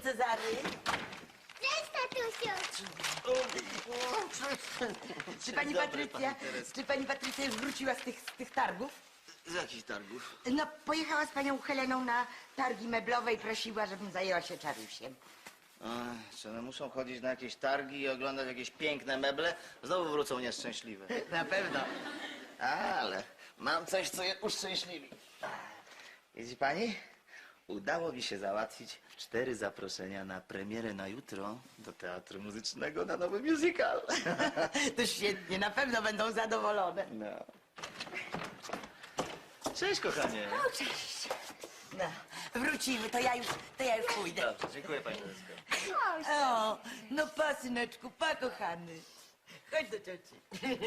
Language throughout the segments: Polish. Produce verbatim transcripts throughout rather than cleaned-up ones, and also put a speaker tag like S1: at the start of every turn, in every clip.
S1: Cezary.
S2: Cześć, tatusiu!
S1: Czy pani
S3: Dobry,
S1: Patrycja,
S3: pani Teresko.
S1: czy pani Patrycja już wróciła z tych, z tych targów?
S3: Z jakich targów?
S1: No, pojechała z panią Heleną na targi meblowe i prosiła, żebym zajęła się czarusiem.
S3: Ach, czy one muszą chodzić na jakieś targi i oglądać jakieś piękne meble? Znowu wrócą nieszczęśliwe.
S1: Na pewno.
S3: Ale mam coś, co je uszczęśliwi. Widzi pani? Udało mi się załatwić cztery zaproszenia na premierę na jutro do Teatru Muzycznego na nowy musical.
S1: To świetnie, na pewno będą zadowolone.
S3: No. Cześć, kochanie.
S1: O, cześć. No, wrócimy, to ja już, to ja już pójdę.
S3: Dobrze, dziękuję pani Teresko.
S1: O, no pa, syneczku, pa, kochany. Chodź do cioci.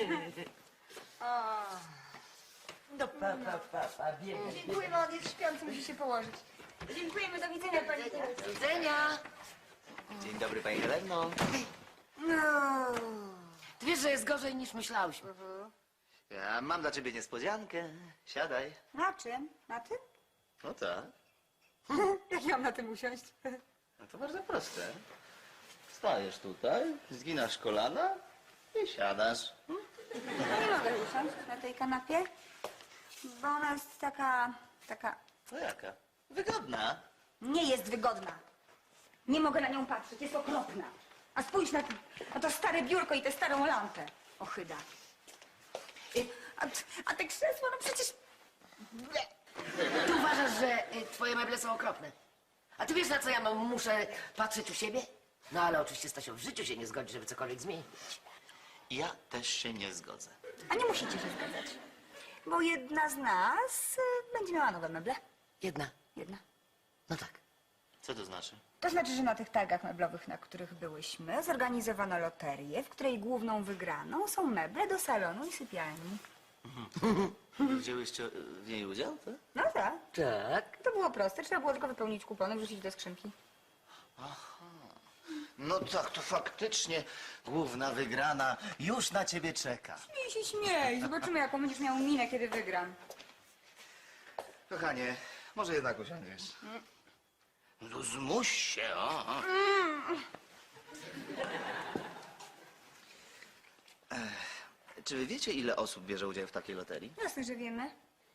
S1: O. No pa, pa, pa, pa, biegaj.
S4: Dziękujemy, on jest śpiący, musi się położyć. Dziękujemy, do widzenia, pani Teresko.
S1: Do widzenia.
S3: Dzień dobry, pani Heleno.
S1: No.
S5: Ty wiesz, że jest gorzej niż myślałyśmy.
S3: Ja mam dla ciebie niespodziankę. Siadaj.
S4: Na czym? Na tym?
S3: No tak.
S4: Jak ja mam na tym usiąść?
S3: No to bardzo proste. Stajesz tutaj, zginasz kolana i siadasz.
S4: No nie mogę usiąść na tej kanapie, bo ona jest taka, taka...
S3: No jaka? Wygodna.
S4: Nie jest wygodna. Nie mogę na nią patrzeć, jest okropna. A spójrz na, na to stare biurko i tę starą lampę. Ochyda. I- A, a te krzesło, no przecież...
S5: Ty uważasz, że y, twoje meble są okropne. A ty wiesz, na co ja mam, muszę patrzeć u siebie? No ale oczywiście, Stasio, w życiu się nie zgodzi, żeby cokolwiek zmienić.
S3: Ja też się nie zgodzę.
S4: A nie musicie się zgadzać, bo jedna z nas y, będzie miała nowe meble.
S5: Jedna.
S4: Jedna.
S5: No tak.
S3: Co to znaczy?
S4: To znaczy, że na tych targach meblowych, na których byłyśmy, zorganizowano loterię, w której główną wygraną są meble do salonu i sypialni.
S3: Wzięłyście w niej udział, tak?
S4: No tak.
S5: Tak.
S4: To było proste, trzeba było tylko wypełnić kupony, wrzucić do skrzynki.
S3: No tak, to faktycznie główna wygrana już na ciebie czeka.
S4: Śmiej się, śmiej. Zobaczymy, jaką będziesz miał minę, kiedy wygram.
S3: Kochanie, może jednak usiądziesz. No zmuś się, o. o. Ech, czy wy wiecie, ile osób bierze udział w takiej loterii?
S4: Jasne, że wiemy.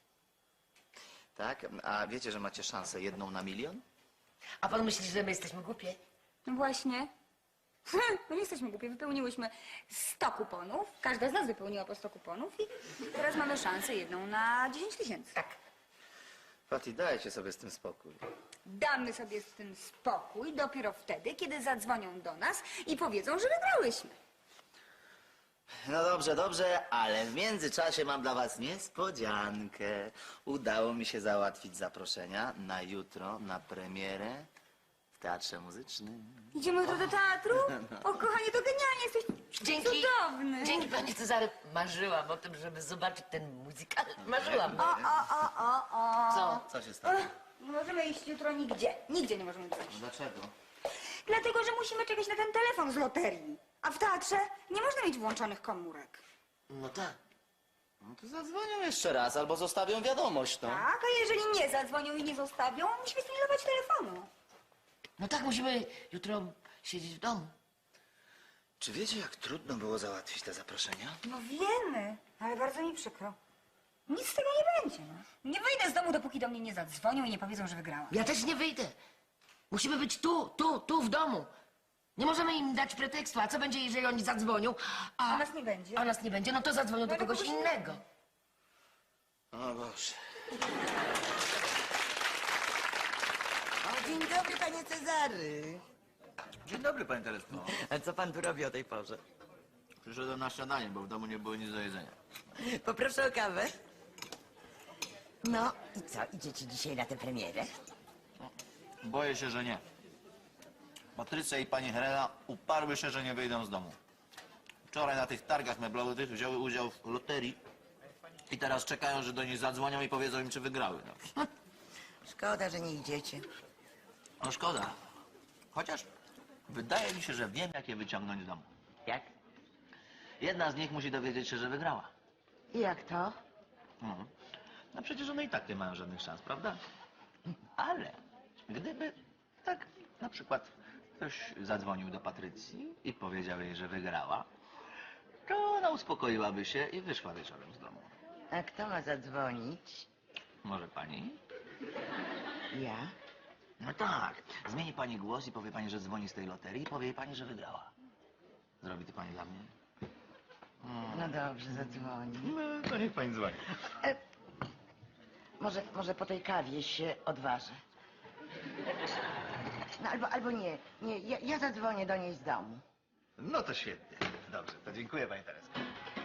S3: Tak? A wiecie, że macie szansę jedną na milion?
S5: A pan myśli, że my jesteśmy głupie?
S4: No właśnie. No nie jesteśmy głupie, wypełniłyśmy sto kuponów. Każda z nas wypełniła po sto kuponów i teraz mamy szansę jedną na dziesięć tysięcy.
S5: Tak.
S3: Pati, dajcie sobie z tym spokój.
S4: Damy sobie z tym spokój dopiero wtedy, kiedy zadzwonią do nas i powiedzą, że wygrałyśmy.
S3: No dobrze, dobrze, ale w międzyczasie mam dla was niespodziankę. Udało mi się załatwić zaproszenia na jutro, na premierę w Teatrze Muzycznym.
S4: Idziemy jutro do teatru? O, kochanie, to genialnie, jesteś
S5: Dzięki.
S4: cudowny.
S5: Dzięki, panie Cezary. Marzyłam o tym, żeby zobaczyć ten musical. Marzyłam.
S4: O, o, o, o, o.
S5: Co?
S3: Co się stało?
S4: Nie możemy iść jutro nigdzie. Nigdzie nie możemy iść.
S3: Dlaczego?
S4: Dlatego, że musimy czekać na ten telefon z loterii. A w teatrze nie można mieć włączonych komórek.
S5: No tak.
S3: No to zadzwonią jeszcze raz albo zostawią wiadomość, no.
S4: Tak, a jeżeli nie zadzwonią i nie zostawią, musimy spilnować telefonu.
S5: No tak, musimy jutro siedzieć w domu.
S3: Czy wiecie, jak trudno było załatwić te zaproszenia?
S4: No wiemy, ale bardzo mi przykro. Nic z tego nie będzie, no. Nie wyjdę z domu, dopóki do mnie nie zadzwonią i nie powiedzą, że wygrałam.
S5: Ja też nie wyjdę. Musimy być tu, tu, tu w domu. Nie możemy im dać pretekstu. A co będzie, jeżeli oni zadzwonią? A,
S4: A nas nie będzie.
S5: A nas nie będzie, no to zadzwonią do
S4: Ale
S5: kogoś
S4: kogoś
S5: innego.
S3: O Boże.
S1: O, dzień dobry, panie Cezary.
S6: Dzień dobry, panie Teresko.
S1: A co pan tu robi o tej porze?
S6: Przyszedłem na śniadanie, bo w domu nie było nic do jedzenia.
S1: Poproszę o kawę. No i co, idziecie dzisiaj na tę premierę?
S6: Boję się, że nie. Patrycja i pani Helena uparły się, że nie wyjdą z domu. Wczoraj na tych targach meblowych wzięły udział w loterii i teraz czekają, że do nich zadzwonią i powiedzą im, czy wygrały. No,
S1: Szkoda, że nie idziecie.
S6: no szkoda. Chociaż wydaje mi się, że wiem, jak je wyciągnąć z domu.
S1: Jak?
S6: Jedna z nich musi dowiedzieć się, że wygrała.
S1: I jak to?
S6: Mhm. No przecież one i tak nie mają żadnych szans, prawda? Ale gdyby tak Na przykład ktoś zadzwonił do Patrycji i powiedział jej, że wygrała, to ona uspokoiłaby się i wyszła wieczorem z domu.
S1: A kto ma zadzwonić?
S6: Może pani?
S1: Ja?
S6: No tak. Zmieni pani głos i powie pani, że dzwoni z tej loterii i powie jej pani, że wygrała. Zrobi to pani dla mnie?
S1: No dobrze, zadzwoni.
S6: No, to niech pani dzwoni.
S1: E, może, może po tej kawie się odważę. No albo, albo nie, nie, ja, ja zadzwonię do niej z domu.
S6: No to świetnie. Dobrze, to dziękuję pani Teresko.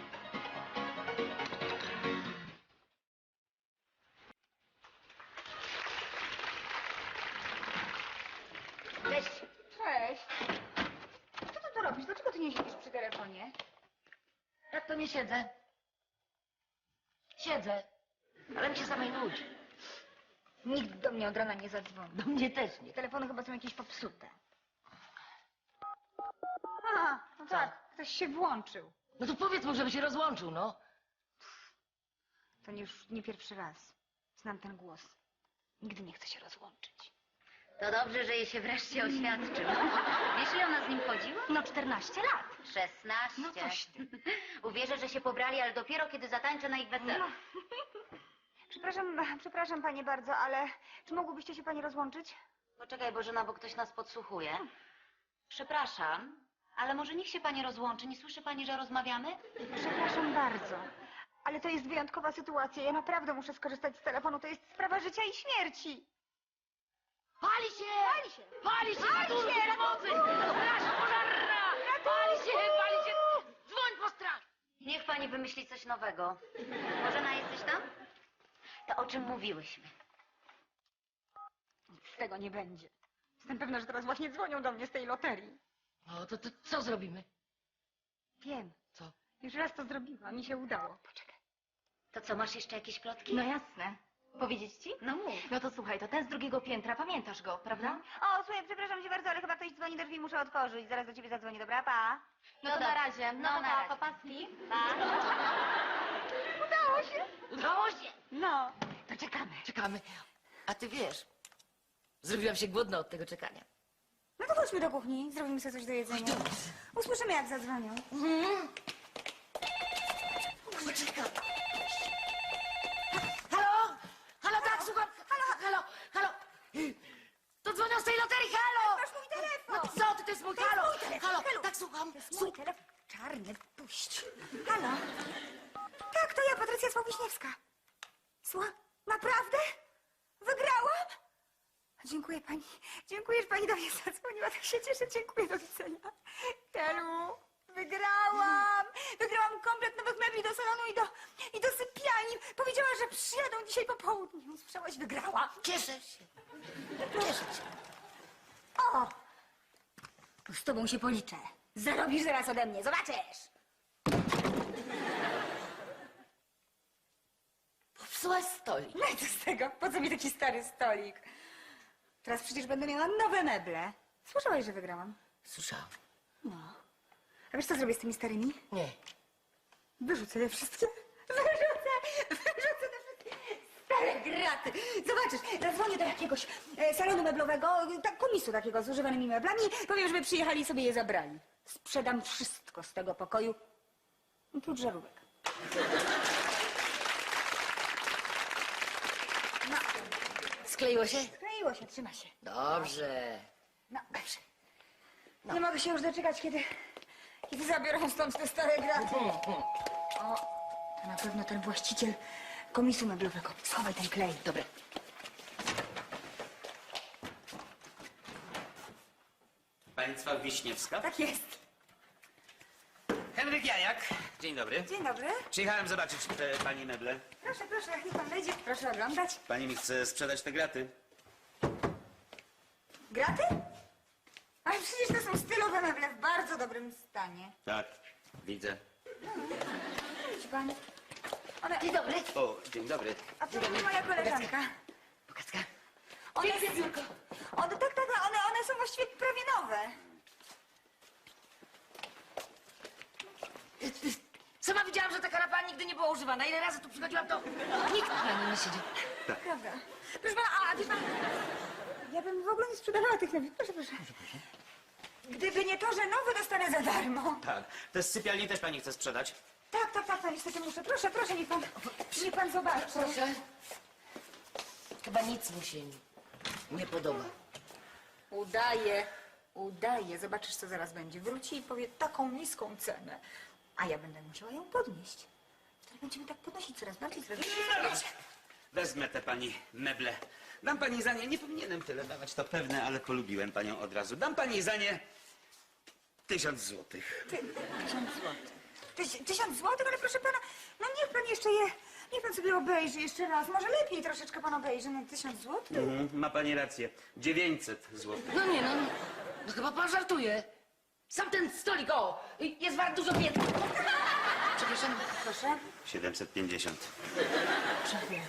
S4: Cześć. Cześć. Co ty tu robisz? Dlaczego ty nie siedzisz przy telefonie?
S5: Jak to nie siedzę? Siedzę, ale mi się samej nudzi.
S4: Nikt do mnie od rana nie zadzwoni.
S5: Do mnie też nie.
S4: Telefony chyba są jakieś popsute. A, no tak, ktoś się włączył.
S5: No to powiedz mu, żeby się rozłączył, no.
S4: To nie już nie pierwszy raz. Znam ten głos. Nigdy nie chcę się rozłączyć.
S7: To dobrze, że jej się wreszcie oświadczył. Wiesz, ile ona z nim chodziła?
S4: No czternaście lat.
S7: Szesnaście.
S4: No coś ty.
S7: Uwierzę, że się pobrali, ale dopiero kiedy zatańczę na ich weselu.
S4: Przepraszam, przepraszam panie bardzo, ale czy mogłybyście się panie rozłączyć?
S7: Poczekaj, Bożena, bo ktoś nas podsłuchuje. Przepraszam, ale może niech się pani rozłączy. Nie słyszy pani, że rozmawiamy?
S4: Przepraszam bardzo, ale to jest wyjątkowa sytuacja. Ja naprawdę muszę skorzystać z telefonu. To jest sprawa życia i śmierci.
S5: Pali się!
S4: Pali się!
S5: Pali się!
S4: Pali
S5: Ratunku,
S4: się!
S5: pomocy! Straż pożarna! Pali się! Pali się! Dzwoń po straż!
S7: Niech pani wymyśli coś nowego. Bożena, jesteś tam? To o czym mówiłyśmy?
S4: Nic z tego nie będzie. Jestem pewna, że teraz właśnie dzwonią do mnie z tej loterii.
S5: No to, to co zrobimy?
S4: Wiem.
S5: Co?
S4: Już raz to zrobiłam. Mi się udało. Poczekaj.
S7: To co, masz jeszcze jakieś plotki?
S8: No jasne. Powiedzieć ci?
S7: No mów.
S8: No to słuchaj, to ten z drugiego piętra, pamiętasz go, prawda?
S4: O, słuchaj, przepraszam cię bardzo, ale chyba ktoś dzwoni do drzwi, muszę otworzyć. Zaraz do ciebie zadzwonię, dobra? Pa.
S8: No to
S7: dobra.
S8: na razie.
S7: No,
S8: No, to
S7: na
S8: pa,
S7: razie.
S8: papaski.
S4: Udało się.
S5: Udało się!
S4: No.
S5: To czekamy. Czekamy. A ty wiesz, zrobiłam się głodna od tego czekania.
S4: No to chodźmy do kuchni, zrobimy sobie coś do jedzenia. Usłyszymy, jak zadzwonią.
S5: Poczekam. Halo? Halo, tak, słucham. Halo, halo, halo. To dzwonią z tej loterii, halo!
S4: Masz mój telefon.
S5: No co ty, to jest mój halo.
S4: mój telefon,
S5: Halo,
S4: halo.
S5: tak, słucham.
S4: To jest
S5: Słuch-
S4: mój telefon. Czarny, puść. Halo? Tak, to ja, Patrycja Sławiśniewska. Słucham? Naprawdę? Wygrałam? Dziękuję pani. Dziękuję, że pani do mnie zadzwoniła. Tak się cieszę. Dziękuję, do widzenia. Helu, wygrałam. Wygrałam komplet nowych mebli do salonu i do, i do sypialni. Powiedziała, że przyjadą dzisiaj po południu. Słyszałaś? Wygrałam.
S5: Cieszę się. Cieszę się.
S4: O! Z tobą się policzę. Zarobisz zaraz ode mnie. Zobaczysz.
S5: Popsułaś stolik.
S4: No i co z tego? Po co mi taki stary stolik? Teraz przecież będę miała nowe meble. Słyszałaś, że wygrałam?
S5: Słyszałam.
S4: No. A wiesz, co zrobię z tymi starymi?
S5: Nie.
S4: Wyrzucę je wszystkie. Wyrzucę, wyrzucę te wszystkie stare graty. Zobaczysz, zadzwonię do jakiegoś e, salonu meblowego, tak, komisu takiego z używanymi meblami. Powiem, żeby przyjechali i sobie je zabrali. Sprzedam wszystko z tego pokoju, oprócz żarówek. No,
S5: Skleiło się?
S4: kleiło się, trzyma się.
S5: Dobrze.
S4: No, dobrze. Nie mogę się już doczekać, kiedy, kiedy zabiorą stąd te stare graty. O, to na pewno ten właściciel komisu meblowego. Schowaj ten klej.
S5: Dobra.
S9: Państwa Wiśniewska?
S4: Tak jest.
S9: Henryk Janiak. Dzień dobry.
S4: Dzień dobry.
S9: Przyjechałem zobaczyć te pani meble.
S4: Proszę, proszę, niech pan wejdzie. Proszę oglądać.
S9: Pani mi chce sprzedać te graty.
S4: Graty? Ale przecież to są stylowe meble w bardzo dobrym stanie.
S9: Tak, widzę.
S4: Widzi pan? One...
S5: Dzień dobry.
S9: O, dzień dobry.
S4: A to moja koleżanka.
S5: Pokazka.
S4: One, one, tak, tak, one, one są właściwie prawie nowe.
S5: Sama widziałam, że ta kanapa nigdy nie była używana. Ile razy tu przychodziłam, to nikt na nim nie siedział.
S4: Prawda. Proszę pana, a wie pan... Ja bym w ogóle nie sprzedawała tych nowych. Proszę, proszę. Gdyby nie to, że nowy dostanę za darmo.
S9: Tak. Te z sypialni też pani chce sprzedać?
S4: Tak, tak, tak, no niestety muszę. Proszę, proszę, niech pan, niech pan zobaczy.
S5: Proszę. Chyba nic mu się nie podoba.
S4: Udaje, udaje. Zobaczysz, co zaraz będzie. Wróci i powie taką niską cenę. A ja będę musiała ją podnieść. Wtedy będziemy tak podnosić coraz bardziej, coraz bardziej.
S9: Wezmę te pani meble. Dam pani za nie, nie powinienem tyle dawać, to pewne, ale polubiłem panią od razu. Dam pani za nie tysiąc złotych.
S4: Ty, tysiąc złotych. Tyś, tysiąc złotych, ale proszę pana, no niech pan jeszcze je, niech pan sobie obejrzy jeszcze raz. Może lepiej troszeczkę pan obejrzy na tysiąc złotych.
S9: Mhm, ma pani rację. dziewięćset złotych.
S5: No nie, no, no chyba pan żartuje. Sam ten stolik, o, jest wart dużo więcej. Przepraszam.
S4: Proszę.
S9: siedemset pięćdziesiąt.
S4: Dziękuję.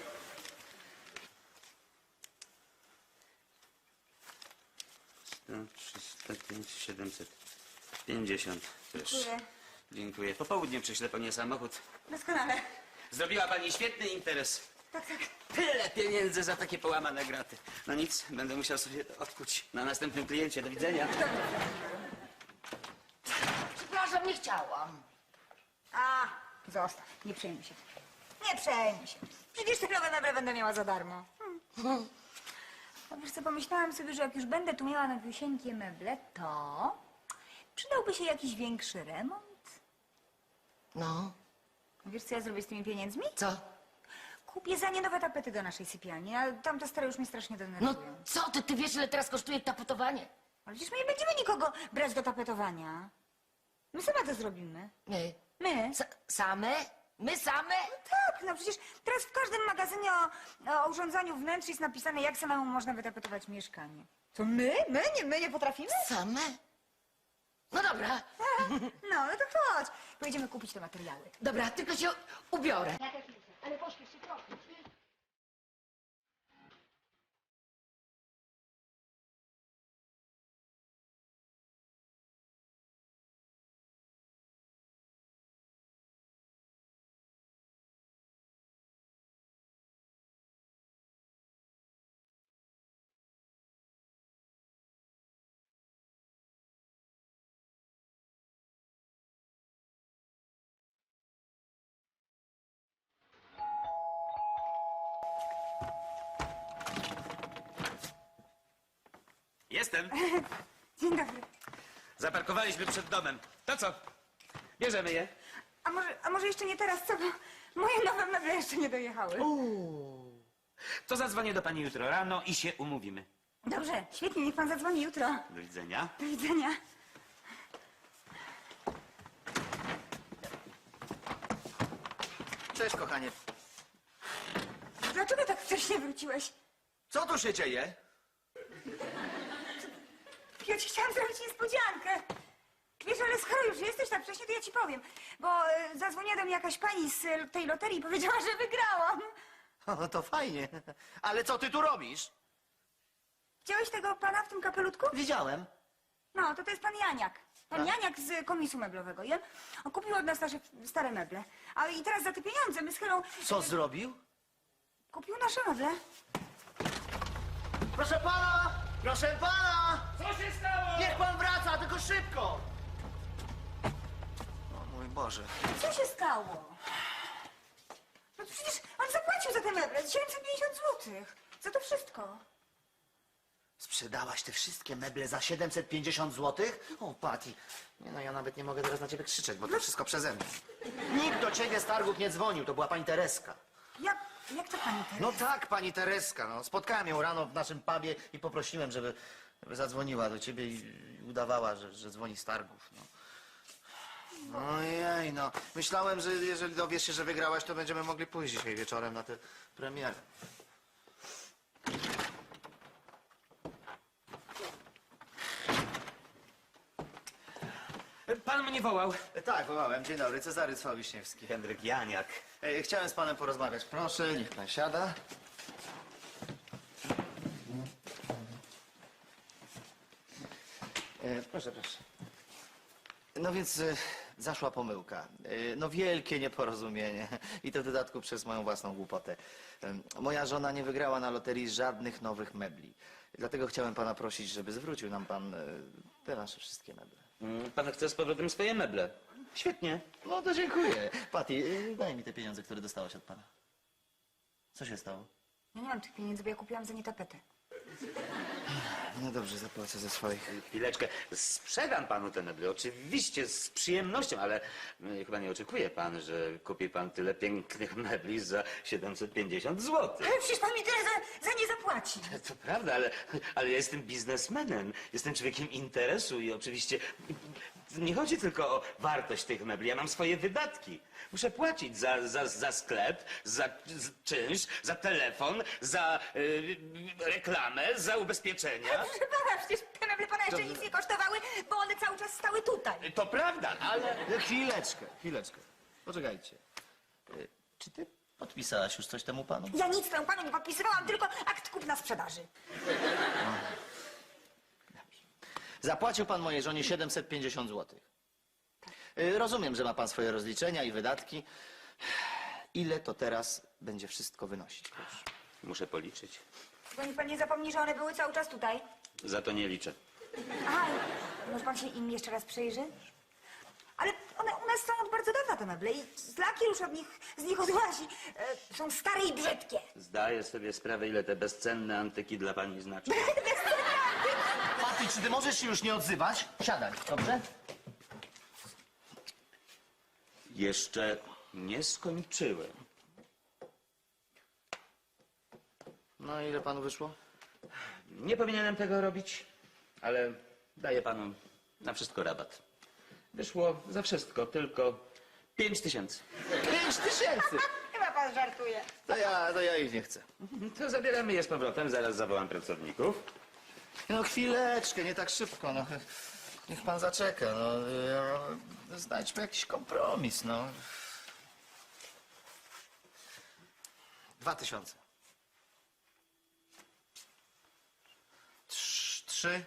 S9: sto, trzysta pięć, siedemset pięćdziesiąt też.
S4: Dziękuję.
S9: Dziękuję. Po południu przyślę pani samochód.
S4: Doskonale.
S9: Zrobiła pani świetny interes.
S4: Tak, tak.
S9: Tyle pieniędzy za takie połamane graty. No nic, będę musiał sobie to odkuć na następnym kliencie. Do widzenia.
S5: Przepraszam, nie chciałam.
S4: A, zostaw. Nie przejmuj się. Nie przejmuj się. Przecież te nowe meble będę miała za darmo. Hmm. No wiesz co, pomyślałam sobie, że jak już będę tu miała nowiusieńkie meble, to przydałby się jakiś większy remont.
S5: No,
S4: Wiesz, co ja zrobię z tymi pieniędzmi?
S5: co?
S4: Kupię za nie nowe tapety do naszej sypialni, a tamte stare już mnie strasznie
S5: No
S4: denerwują.
S5: co ty, ty wiesz, ile teraz kosztuje tapetowanie?
S4: Ale przecież my nie będziemy nikogo brać do tapetowania. My same to zrobimy.
S5: My.
S4: My?
S5: S same? My same?
S4: Tak, no przecież teraz w każdym magazynie o, o urządzaniu wnętrz jest napisane, jak samemu można wytapetować mieszkanie. To my? My? Nie, my nie potrafimy?
S5: Same? No dobra.
S4: No, no to chodź. Pojedziemy kupić te materiały.
S5: Dobra, tylko się ubiorę.
S2: Ale pośpiesz się trochę.
S9: Jestem.
S4: Dzień dobry.
S9: Zaparkowaliśmy przed domem. To co? Bierzemy je.
S4: A może, a może jeszcze nie teraz, co? Bo moje nowe meble jeszcze nie dojechały.
S9: To zadzwonię do pani jutro rano i się umówimy.
S4: Dobrze, świetnie, niech pan zadzwoni jutro.
S9: Do widzenia.
S4: Do widzenia.
S3: Cześć, kochanie.
S4: Dlaczego tak wcześnie wróciłeś?
S3: Co tu się dzieje?
S4: Ja ci chciałam zrobić niespodziankę. Wiesz, ale skoro już jesteś tak wcześnie, to ja ci powiem. Bo e, zadzwoniła do mnie jakaś pani z e, tej loterii i powiedziała, że wygrałam.
S3: O, to fajnie. Ale co ty tu robisz?
S4: Widziałeś tego pana w tym kapelutku?
S3: Widziałem.
S4: No, to to jest pan Janiak. Pan Janiak z komisu meblowego. I on, on kupił od nas nasze stare meble. A i teraz za te pieniądze my z Helą
S3: Co zrobił?
S4: kupił nasze meble.
S3: Proszę pana! Proszę pana!
S9: Co się stało?
S3: Niech pan wraca, tylko szybko! O mój Boże.
S4: Co się stało? No to przecież on zapłacił za te meble siedemset pięćdziesiąt złotych. Za to wszystko.
S3: Sprzedałaś te wszystkie meble za siedemset pięćdziesiąt złotych? O, Patty. Nie no, ja nawet nie mogę teraz na ciebie krzyczeć, bo to wszystko przeze mnie. Nikt do ciebie z targów nie dzwonił, to była pani Tereska.
S4: Jak, jak to pani teraz?
S3: No tak, pani Tereska, no. Spotkałem ją rano w naszym pubie i poprosiłem, żeby, żeby zadzwoniła do ciebie i, i udawała, że, że dzwoni z targów, no. Ojej, no. Myślałem, że jeżeli dowiesz się, że wygrałaś, to będziemy mogli pójść dzisiaj wieczorem na tę premierę.
S9: Pan mnie wołał.
S3: E, Tak, wołałem. Dzień dobry, Cezary Cwał-Wiśniewski.
S9: Henryk Janiak.
S3: E, Chciałem z panem porozmawiać. Proszę, niech pan siada. E, Proszę, proszę. No więc e, zaszła pomyłka. Y, No wielkie nieporozumienie. I to w dodatku przez moją własną głupotę. Ym, Moja żona nie wygrała na loterii żadnych nowych mebli. Dlatego chciałem pana prosić, żeby zwrócił nam pan y, te nasze wszystkie meble.
S9: Mm, Pan chce z powrotem swoje meble. Świetnie.
S3: No to dziękuję. Patty, y, daj mi te pieniądze, które dostałaś od pana. Co się stało?
S4: Ja nie mam tych pieniędzy, bo ja kupiłam za nie tapetę.
S3: No dobrze, zapłacę ze swoich.
S9: Chwileczkę. Sprzedam panu te meble. Oczywiście, z przyjemnością, ale y, chyba nie oczekuje pan, że kupi pan tyle pięknych mebli za siedemset pięćdziesiąt złotych.
S4: Ale przecież pan mi tyle za, za nie zapłaci.
S9: To prawda, ale, ale ja jestem biznesmenem. Jestem człowiekiem interesu i oczywiście nie chodzi tylko o wartość tych mebli. Ja mam swoje wydatki. Muszę płacić za, za, za sklep, za z- czynsz, za telefon, za y, reklamę, za ubezpieczenia.
S4: Proszę pana, przecież te meble pana jeszcze nic nie kosztowały, bo one cały czas stały tutaj.
S9: To prawda, ale...
S3: Chwileczkę, chwileczkę. Poczekajcie. Y, Czy ty podpisałaś już coś temu panu?
S4: Ja nic temu panu nie podpisywałam, tylko akt kupna sprzedaży.
S3: Zapłacił pan mojej żonie siedemset pięćdziesiąt złotych. Y, Rozumiem, że ma pan swoje rozliczenia i wydatki. Ile to teraz będzie wszystko wynosić, proszę?
S9: Muszę policzyć.
S4: Tylko niech pan nie zapomni, że one były cały czas tutaj.
S9: Za to nie liczę.
S4: Aha, może pan się im jeszcze raz przyjrzy? Ale one u nas są od bardzo dawna, te meble, i lakier już od nich, z nich odłazi. E, są stare i brzydkie.
S9: Zdaję sobie sprawę, ile te bezcenne antyki dla pani znaczą.
S3: Patty, czy ty możesz się już nie odzywać? Siadaj, dobrze?
S9: Jeszcze nie skończyłem.
S3: No ile panu wyszło?
S9: Nie powinienem tego robić, ale daję panu na wszystko rabat. Wyszło za wszystko tylko pięć tysięcy.
S3: Pięć tysięcy!
S4: Chyba pan żartuje.
S3: To ja, to ja ich nie chcę.
S9: To zabieramy je z powrotem, zaraz zawołam pracowników.
S3: No chwileczkę, nie tak szybko, no. Niech pan zaczeka, no. y, Znajdźmy jakiś kompromis, no. Dwa tysiące. Trz- Trzy.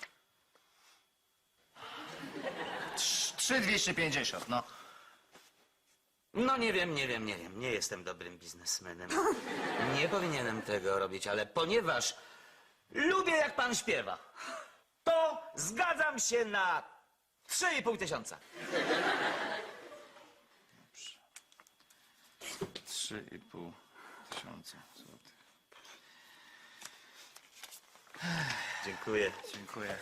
S3: Trz- Trzy dwieście pięćdziesiąt, no.
S9: No nie wiem, nie wiem, nie wiem. Nie jestem dobrym biznesmenem. Nie powinienem tego robić, ale ponieważ lubię, jak pan śpiewa, to zgadzam się na trzy i pół tysiąca.
S3: Trzy i pół tysiąca złotych.
S9: Dziękuję.
S3: Dziękuję.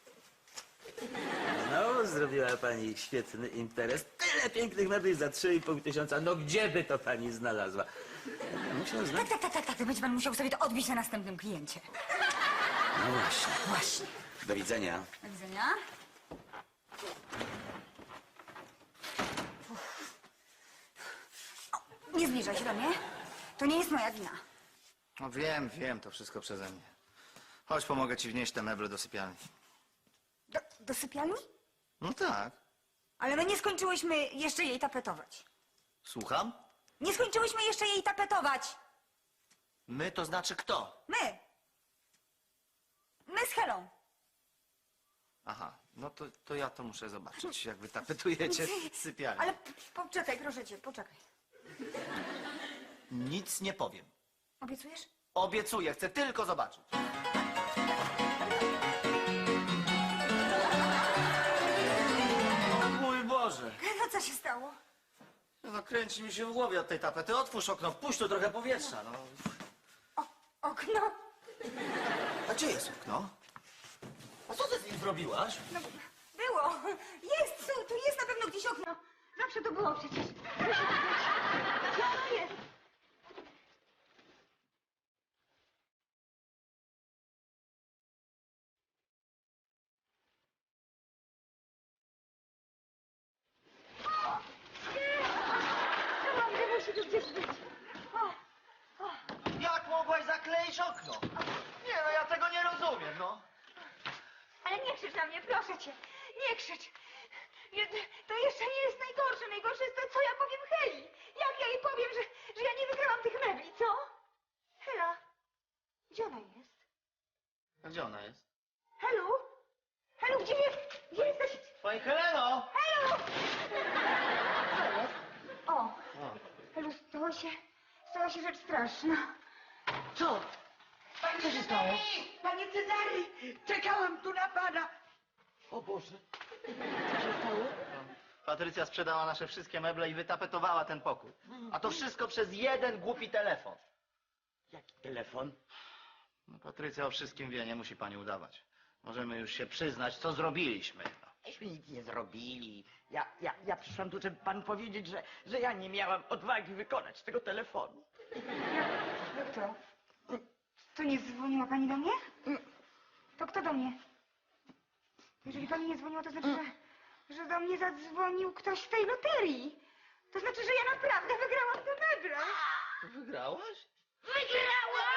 S9: No, zrobiła pani świetny interes. Tyle pięknych mebli za trzy i pół tysiąca. No gdzie by to pani znalazła? Musiał znać.
S4: Tak, tak, tak, tak, tak. Będzie pan musiał sobie to odbić na następnym kliencie.
S9: No właśnie.
S4: Właśnie.
S9: Do widzenia.
S4: Do widzenia. O, nie zbliżaj się do mnie. To nie jest moja wina.
S3: No wiem, wiem, to wszystko przeze mnie. Chodź, pomogę ci wnieść te meble do sypialni.
S4: Do, do sypialni?
S3: No tak.
S4: Ale my nie skończyłyśmy jeszcze jej tapetować.
S3: Słucham?
S4: Nie skończyłyśmy jeszcze jej tapetować.
S3: My to znaczy kto?
S4: My. My z Helą.
S3: Aha, no to, to ja to muszę zobaczyć, jak wy tapetujecie sypialnię.
S4: Ale p- poczekaj, proszę cię, poczekaj.
S3: Nic nie powiem.
S4: Obiecujesz?
S3: Obiecuję, chcę tylko zobaczyć. Mój Boże!
S4: No co się stało?
S3: No kręci mi się w głowie od tej tapety. Otwórz okno, wpuść tu trochę powietrza, no.
S4: O, okno.
S3: A gdzie jest okno? A co ty z nim zrobiłaś?
S4: No, było. Jest, tu, tu jest na pewno gdzieś okno. Zawsze to było przecież. Musi to być. Gdzie ono jest? O, nie! Naprawdę musi tu gdzieś być. O, o.
S3: Jak mogłaś zakleić okno? Nie no, ja tego nie rozumiem, no.
S4: Ale nie krzycz na mnie, proszę cię. Nie krzycz. Nie, to jeszcze nie jest najgorsze. Najgorsze jest to, co ja powiem Heli. Jak ja jej powiem, że, że ja nie wygrałam tych mebli, co? Hela, gdzie ona jest?
S3: A gdzie ona jest?
S4: Helu? Helu, gdzie jest? Gdzie jesteś?
S3: Pani Heleno!
S4: Helu! Aniu! Co jest? O, Helu, stało się, stała się rzecz straszna.
S5: Co? Co się stało?
S2: Panie Cezary, czekałam tu na pana.
S5: O Boże. Co się stało?
S3: Patrycja sprzedała nasze wszystkie meble i wytapetowała ten pokój. A to wszystko przez jeden głupi telefon.
S5: Jaki telefon?
S3: No, Patrycja o wszystkim wie, nie musi pani udawać. Możemy już się przyznać, co zrobiliśmy. No.
S1: Myśmy nic nie zrobili. Ja, ja, ja przyszłam tu, żeby panu powiedzieć, że, że ja nie miałam odwagi wykonać tego telefonu.
S4: Jak to? To nie dzwoniła pani do mnie? To kto do mnie? Jeżeli pani nie dzwoniła, to znaczy, że, że do mnie zadzwonił ktoś z tej loterii. To znaczy, że ja naprawdę wygrałam te meble.
S3: Wygrałaś?
S4: Wygrałam!